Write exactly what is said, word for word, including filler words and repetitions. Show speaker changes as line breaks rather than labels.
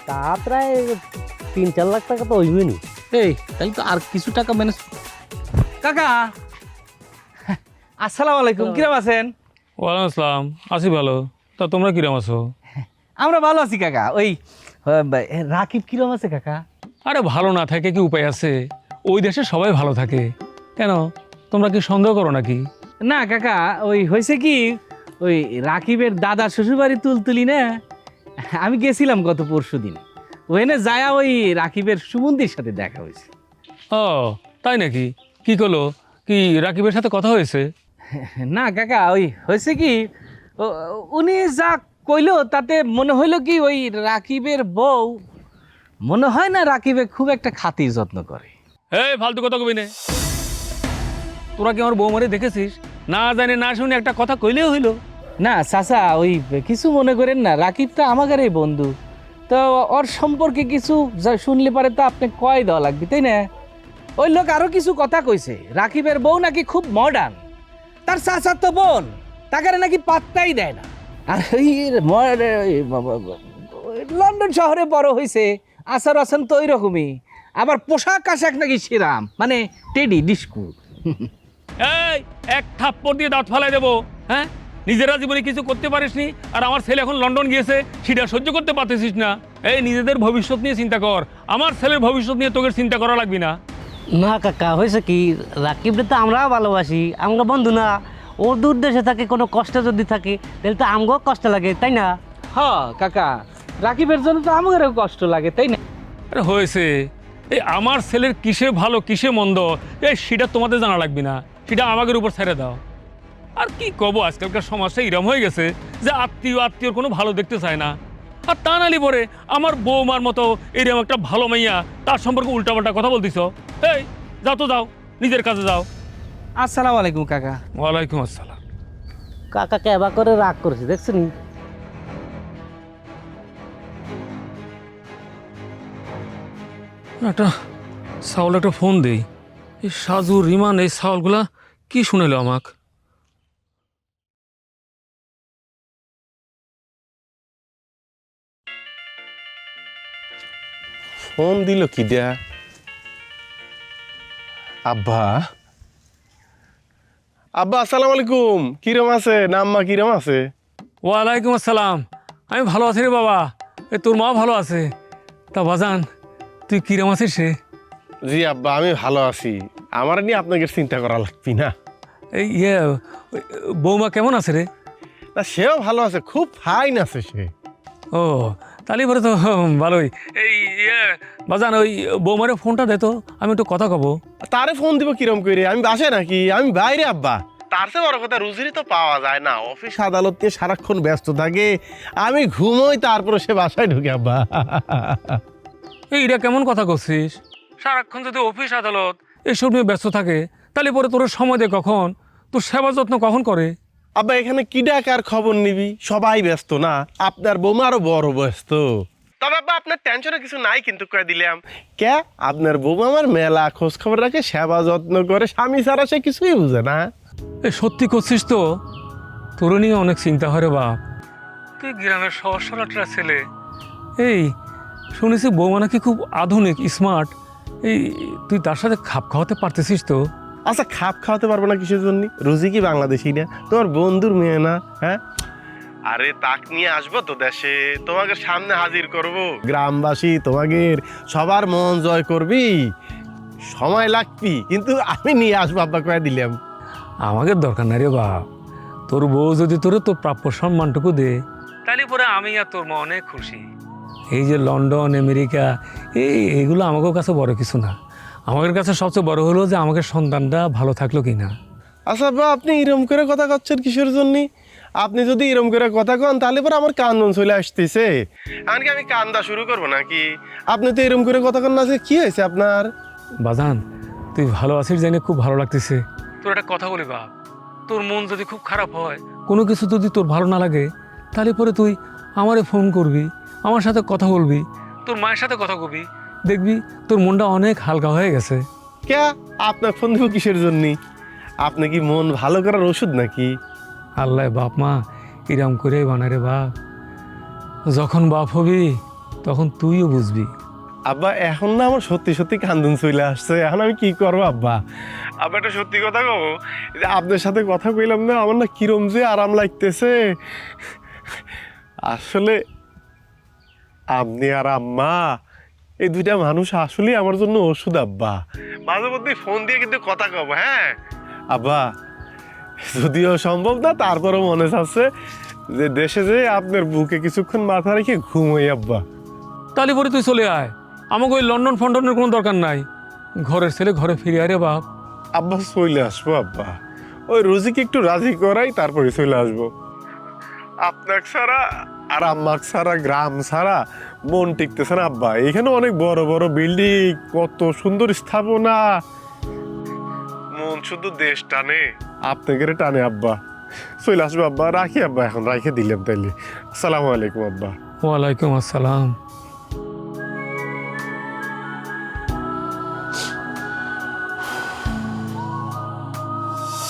তা প্রায় তিন চার লাখ টাকা তো হইবে নি।
এই তাহলে তো আর কিছু টাকা ম্যানেজ। কাকা আসসালামু আলাইকুম, কিরম আছেন?
ওয়ালাইকুম আসসালাম, আছি ভালো। তা তোমরা কিরম আছো?
আমরা ভালো আছি কাকা। ওই আহ, রাকিব কিরম আছে কাকা?
আরে ভালো না থাকে কি উপায় আছে? ওই দেশে সবাই ভালো থাকে, কেন তোমরা কি সন্দেহ করো নাকি?
না কাকা, ওই হয়েছে কি, ওই রাকিবের দাদার শ্বশুরবাড়ি তুলতুলি না, আমি গেছিলাম গত পরশু দিন। ওখানে যায়া ওই রাকিবের সুমন্দির সাথে দেখা হয়েছে।
ও তাই নাকি? কি করলো? কি রাকিবের সাথে কথা হয়েছে?
না কাকা, ওই হয়েছে কি, ও- উনি যা কইলো তাতে মনে হইলো কি ওই রাকিবের বউ মনে হয় না রাকিবে খুব একটা খাতির যত্ন করে।
এই ফালতু কথা কবি নে। তোরা কি আমার বৌমারে দেখেছিস? না জানি না শুনে একটা কথা কইলেও হইলো।
না চাচা, ওই কিছু মনে করেন না, রাকিব তো আমাদেরই বন্ধু, তো ওর সম্পর্কে কিছু যা শুনলে পারে তো আপনি কয় দেওয়া লাগবে, তাই না? ওই লোক আরো কিছু কথা কইছে, রাকিবের বউ নাকি খুব মডার্ন, তার চাচার তো বোন, তাকে নাকি পাত্তাই দেয় না। আর ওই ম- ওই বাবা- ওই লন্ডন শহরে বড় হয়েছে, আচার আছেন তো ওই রকমই, আবার পোশাক আশাক নাকি সেরাম, মানে টেডি ডিস্কু।
এই এক থাপ্পড় দিয়ে দাঁত ফালাই দেবো, হ্যাঁ? নিজেরা জীবনে কিছু করতে পারিসনি, আর আমার ছেলে এখন লন্ডন গিয়েছে, সেটা সহ্য করতে পারতেছিস না। এই নিজেদের ভবিষ্যৎ নিয়ে চিন্তা কর, আমার ছেলের ভবিষ্যৎ নিয়ে তোকে চিন্তা করা লাগবে না।
না কাকা, হয়েছে কি, রাকিবরে তো আমরাও ভালোবাসি, আমরা বন্ধু না। ওর দূর দেশে থাকে, কোনো কষ্ট যদি থাকে তাহলে তো আমগো কষ্ট লাগে, তাই না?
হ্যাঁ কাকা, রাকিবের জন্য তো আমাদেরও কষ্ট লাগে, তাই না?
আরে হয়েছে, এই আমার ছেলের কিসে ভালো কিসে মন্দ এই সেটা তোমাদের জানা লাগবে না, সেটা আমাদের উপর ছেড়ে দাও। আর কি কব, আজকালকার সমাজটা এরম হয়ে গেছে যে আত্মীয় আত্মীয়র কোনো ভালো দেখতে চায় না। আর তা নালি পরে আমার বৌমার মতো এরকম একটা ভালো মাইয়া, তার সম্পর্কে উল্টাপাল্টা কথা বলতেছ। এই যাও তো যাও, নিজের কাজে যাও।
আসসালামু আলাইকুম কাকা।
ওয়ালাইকুম আসসালাম।
কাকাকে এবার করে রাগ করেছে, দেখছেন?
একটা সাউল একটা ফোন দেই। এই সাজু রিমান এই সাউলগুলা কি শুনেলো আমাক?
ফোন দিল কি দেয়া? আব্বা, আব্বা আসসালামু আলাইকুম। কিরম আছে? আম্মা কিরম আছে?
ওয়ালাইকুম আসসালাম, আমি ভালো আছি রে বাবা। এ তোর মা ভালো আছে? তা বাজান তুই কিরম আছিস রে?
জি আব্বা, আমি ভালো আছি। আমার নিয়ে আপনাকে চিন্তা করা লাগবি না।
এই ইয়ে ওই, বৌমা কেমন আছে রে?
না, সেও ভালো আছে, খুব ফাইন আছে সে।
ও তাহলে পরে তো হুম, ভালোই। এই ইয়ে বাজান ওই বৌমারে ফোনটা দে তো, আমি একটু কথা কব।
তারে ফোন দিব কিরম করে? আমি বাসে নাকি? আমি বাইরে আব্বা। তার চেয়ে বড় কথা, রুজিরই তো পাওয়া যায় না, অফিস আদালত নিয়ে সারাক্ষণ ব্যস্ত থাকে। আমি ঘুমোই, তারপরে সে বাসায় ঢুকে আব্বা।
এইটা কেমন কথা করছিস? সারাক্ষণ যদি অফিস আদালত এসব নিয়ে ব্যস্ত থাকে, তাহলে পরে তোর সময় দে কখন? তোর সেবা যত্ন কখন করে?
আব্বা এখানে কি ডাকার খবর নিবি? সবাই ব্যস্ত না? আপনার বৌমা আরো বড় ব্যস্ত। তবে আব্বা আপনার টেনশনে কিছু নাই কিন্তু, কয়ে দিলাম। কে? আপনার বৌমা আমার মেলা খোঁজ খবর রাখে, সেবা যত্ন করে, স্বামী ছাড়া সে কিছুই বুঝে না।
এ সত্যি করছিস তো? তোর নিয়ে অনেক চিন্তা হয় রে বাপ। তুই গ্রামের সহজ সরলটা ছেলে। এই শুনেছি বৌমা নাকি খুব আধুনিক স্মার্ট। এই তুই তার সাথে খাপ খাওয়াতে পারতেছিস তো?
আচ্ছা, খাপ খাওয়াতে পারবো না কিসের জন্য? রুজি কি বাংলাদেশি না? তোমার বন্ধুর মেয়ে না? হ্যাঁ, আরে তাক নিয়ে আসবো তো দেশে, তোমাকে সামনে হাজির করব, গ্রামবাসী তোমাকে সবার মন জয় করবি, সময় লাগবি, কিন্তু আমি নিয়ে আসবো আব্বা, কয়ে দিলাম।
আমাকে দরকার নাই রে বাপ। তোর বউ যদি তোর তোর প্রাপ্য সম্মানটুকু দে, তাহলে পরে আমি আর তোর মা অনেক খুশি। এই যে লন্ডন আমেরিকা এই এগুলো আমাদের কাছে বড় কিছু না। আমাদের কাছে সবচেয়ে বড় হলো যে আমাদের সন্তানটা ভালো থাকলো কি না।
আচ্ছা আব্বা, আপনি এরম করে কথা করছেন কিসের জন্য? আপনি যদি এরম করে কথা কন, তাহলে পরে আমার কান্দন চলে আসতেছে। এমনকি আমি কান্দা শুরু করবো নাকি? আপনি তো এরম করে কথা কন না, যে কি হয়েছে আপনার?
বাজান তুই ভালো আছিস জেনে খুব ভালো লাগতেছে। তোর একটা কথা বলি বাপ, তোর মন যদি খুব খারাপ হয়, কোনো কিছু যদি তোর ভালো না লাগে, তাহলে পরে তুই আমারে ফোন করবি, আমার সাথে কথা বলবি, তোর মায়ের সাথে কথা কবি, দেখবি তোর মনটা অনেক হালকা হয়ে গেছে।
কে? আপনার ফোন দিব কিসের জন্য? আপনি কি মন ভালো করার ওষুধ নাকি?
আল্লাহ বাপ মা এরম করে বানারে বাপ। যখন বাপ হবি তখন তুইও বুঝবি।
আব্বা এখন না আমার সত্যি সত্যি কান্দন চলে আসছে, এখন আমি কি করবো আব্বা? আব্বা একটা সত্যি কথা কব, এই যে আপনার সাথে কথা কইলাম না, আমার না কিরম যে আরাম লাগতেছে। আসলে আপনি আর আম্মা এই দুইটা মানুষ আসলে আমার জন্য ওষুধ আব্বা। মাঝে মধ্যে ফোন দিয়ে কিন্তু কথা কব। হ্যাঁ আব্বা, যদিও সম্ভব না তারপরও মনে চাচ্ছে যে দেশে যে আপনার বুকে কিছুক্ষণ মাথা রেখে ঘুমোই আব্বা।
তাহলে পরে তুই চলে আয়, আমাকে ওই লন্ডন ফন্ডনের কোনো দরকার নাই। ঘরের ছেলে ঘরে ফিরে আয় রে বাপ।
আব্বা চলে আসবো আব্বা, ওই রোজিকে একটু রাজি করাই তারপরে চলে আসবো। আপনার ছাড়া আর আম্মাক ছাড়া গ্রাম ছাড়া মন টিকতেছে না আব্বা। এখানে অনেক বড় বড় বিল্ডিং, কত সুন্দর স্থাপনা, মন শুধু দেশ টানে, আপনাদের টানে আব্বা। চলে আসবো আব্বা, রাখি আব্বা, এখন রাখে দিলাম তাইলে। আসসালামু আলাইকুম আব্বা।
ওয়ালাইকুম আসসালাম।